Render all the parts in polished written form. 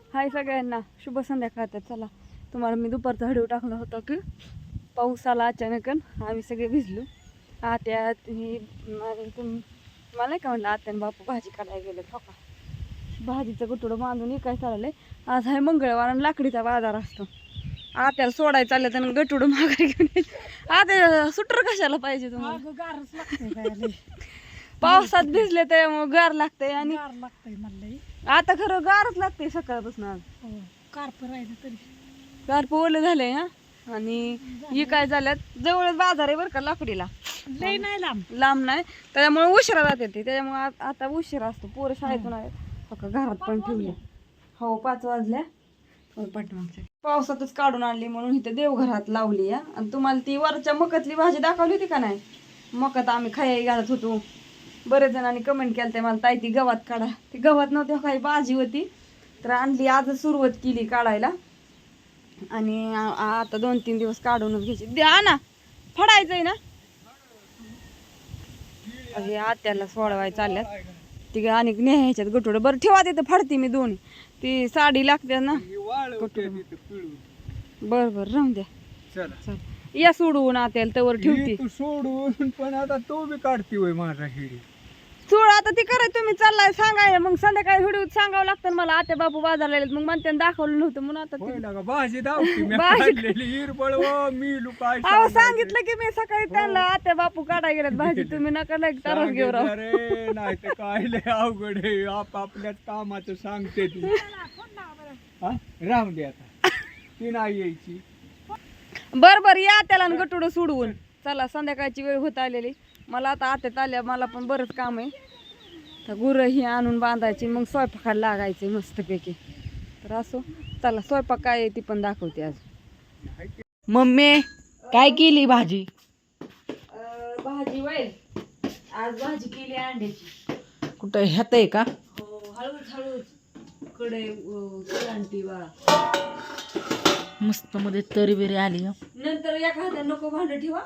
हाय सगळ्यांना, शुभ संध्याकाळ. तर चला तुम्हाला मी दुपारचा व्हिडिओ टाकला होता की पाऊस आला अचानक आम्ही सगळे भिजलो. आत्या ही मला नाही का म्हणलं आत्याने बापू भाजी काढायला गेले ठोका भाजीचं गुटुडं बांधून काय चाललंय. आज आहे मंगळवार आणि लाकडीचा बाजार असतो. आत्याला सोडायला चाललं तर गटुडं मागायला घेऊन आत्या सुटर कशाला पाहिजे तुम्हाला? पावसात भिजले त्यामुळे गार लागतंय आणि आता खरं गारच लागते सकाळपासून. आज कारप ओले झाले हा. आणि ही काय झाल्यात जवळच बाजार आहे बरं का लाकडीला, लई नाही लांब नाही, त्याच्यामुळे उशिरा जाते ती. त्याच्यामुळे आता उशिरा असतो. पोरं शाळेतून आहे घरात पण ठेवले. हो 5 वाजल्या. पावसातच काढून आणली म्हणून इथे देवघरात लावली या. आणि तुम्हाला ती वरच्या मकातली भाजी दाखवली होती का नाही? मकात आम्ही खाई घालत होतो. बरेच जणांनी कमेंट केलं ते मला, ताई ती गव्हात काढा. ती गव्हात नव्हती, काही भाजी होती तर आणली. आज सुरुवात केली काढायला आणि आता 2-3 दिवस काढूनच घ्यायची. द्या ना, फडायचंय ना. हे आत्याला सोडवाय चालल्यात ती आणि न्यायच्यात गटोडं. बरं ठेवा तिथं, फाडते मी दोन्ही. ती साडी लागते ना. बरं बरं राहून द्या. चल या सोडवून आत्याला तवर ठेवते. सोडून पण आता तो बी काढते होय माझा हिडी. सोड आता ती करायचं. तुम्ही चाललाय सांगाय मग संध्याकाळी व्हिडिओ सांगावं लागतं मला. आत्या बापू बाजारला गेलेत मग म्हणते दाखवलं नव्हतं म्हणून आता भाजी दावती मी काढलेली हिरबळ मी लुकाय. अहो सांगितलं की मी सकाळी त्यांना आत्या बापू काढाय गेल्यात भाजी. तुम्ही नका लाईक तरच घेऊ राहू. अरे नाही तर काय लय अवघड आहे. आपापल्याच कामाचं सांगते ती. राहून दे आता, ती नाही यायची. बर या त्याला गटुडं सोडवून. चला संध्याकाळची वेळ होत आलेली. मला आता आत्यात आल्या, मला पण बरंच काम आहे. तर गुरं ही आणून बांधायची मग स्वयंपाकाला लागायचे मस्तपैकी. तर असो चला, स्वयंपाक काय आहे ती पण दाखवते आज. मम्मी काय केली भाजी? भाजी वय आज भाजी केली अंड्याची. कुठं ह्यात आहे का? हो हळूच हळूच कडे आणती बा. मस्त मध्ये तरी बिरी आली. नंतर एखाद्या नको भांड ठेवा.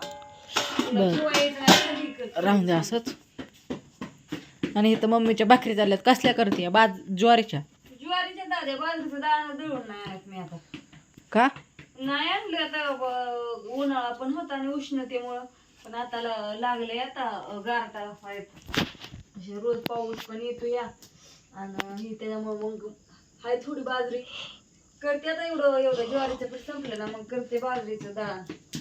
राहून द्या असंच. आणि इथं मम्मीच्या भाकरी झाल्यात. कसल्या करते? ज्वारीच्या दाद्या बाजरीचं दाणं दळून नाही आणत मी आता. का नाही आणलं आता, उन्हाळा पण होता आणि उष्णतेमुळं. पण आता लागलंय आता गारटा. रोज पाऊस पण येतो या आणि ही त्याच्यामुळे मग हाय थोडी बाजरी करते आता. एवढं ज्वारीचं पीठ संपलं ना मग करते बाजरीचं दळण.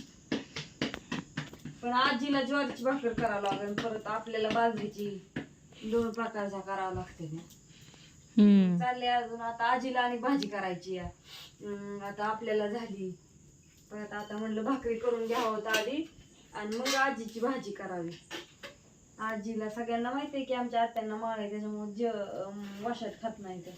पण आजीला ज्वारीची भाकर करावं लागेल, परत आपल्याला बाजरीची 2 प्रकारच्या करावं लागते ना. चालले अजून आता आजीला आणि भाजी करायची या. आता आपल्याला झाली परत आता म्हणलं भाकरी करून घ्यावं होतं आधी आणि मग आजीची भाजी करावी. आजीला सगळ्यांना माहिती आहे की आमच्या आत्यांना माळ आहे, त्याच्यामुळे वशात खात नाही. तर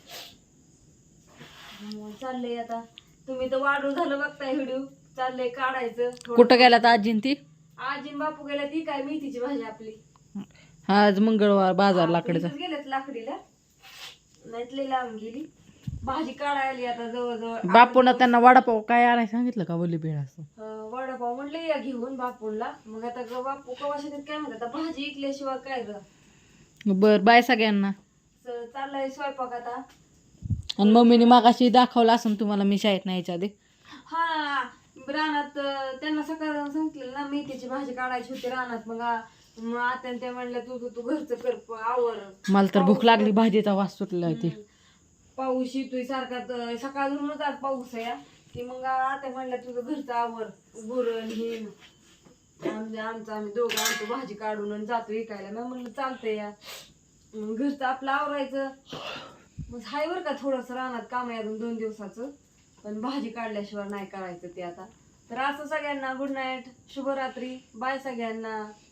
चाललंय आता. तुम्ही तर वाढू झालं बघताय व्हिडिओ. चाललंय काढायचं. कुठं गेलात आजीन ती? आजीन बापू गेल्या ती काय मेथीची भाजी आपली. आज मंगळवार बाजार लाकडीचा. गेलेत लाकडीला, नाहीतली लावून गेली भाजी काढायला. आता जवळजवळ बापून त्यांना वडापाव काय आणाय सांगितलं का? बोली बेळ असं वडापाव म्हणले या घेऊन बापूला. मग आता बापू कवा शेतात काय म्हणतात, आता भाजी इकल्याशिवाय काय ग. बर बाय सगळ्यांना. चाललाय स्वयंपाक आता. आणि मम्मीने मागाशी दाखवलं असं तुम्हाला मी शाळेत नाही याच्या आधी. हा रानात त्यांना सकाळ सांगितलं ना मेथीची भाजी काढायची होती रानात. मग आता ते म्हणलं तू घरचं कर आवर. मला तर भूक लागली, भाजीचा वास सुटला ती. पाऊस येतोय सारखा, सकाळ धरूनच आज पाऊस आहे ती. मग आता म्हणलं तुझं घरचं आवर. गुरण हे आमचं आम्ही दोघं आणतो भाजी काढून आणि जातो विकायला. मी म्हणलं चालतंय या. मग घरचं आपलं आवरायचं. मग हाय बरं का थोडंसं रानात काम आहे अजून 2 दिवसाचं. पण भाजी काढल्याशिवाय नाही करायचं ते आता. तर असं सगळ्यांना गुड नाईट, शुभरात्री, बाय सगळ्यांना.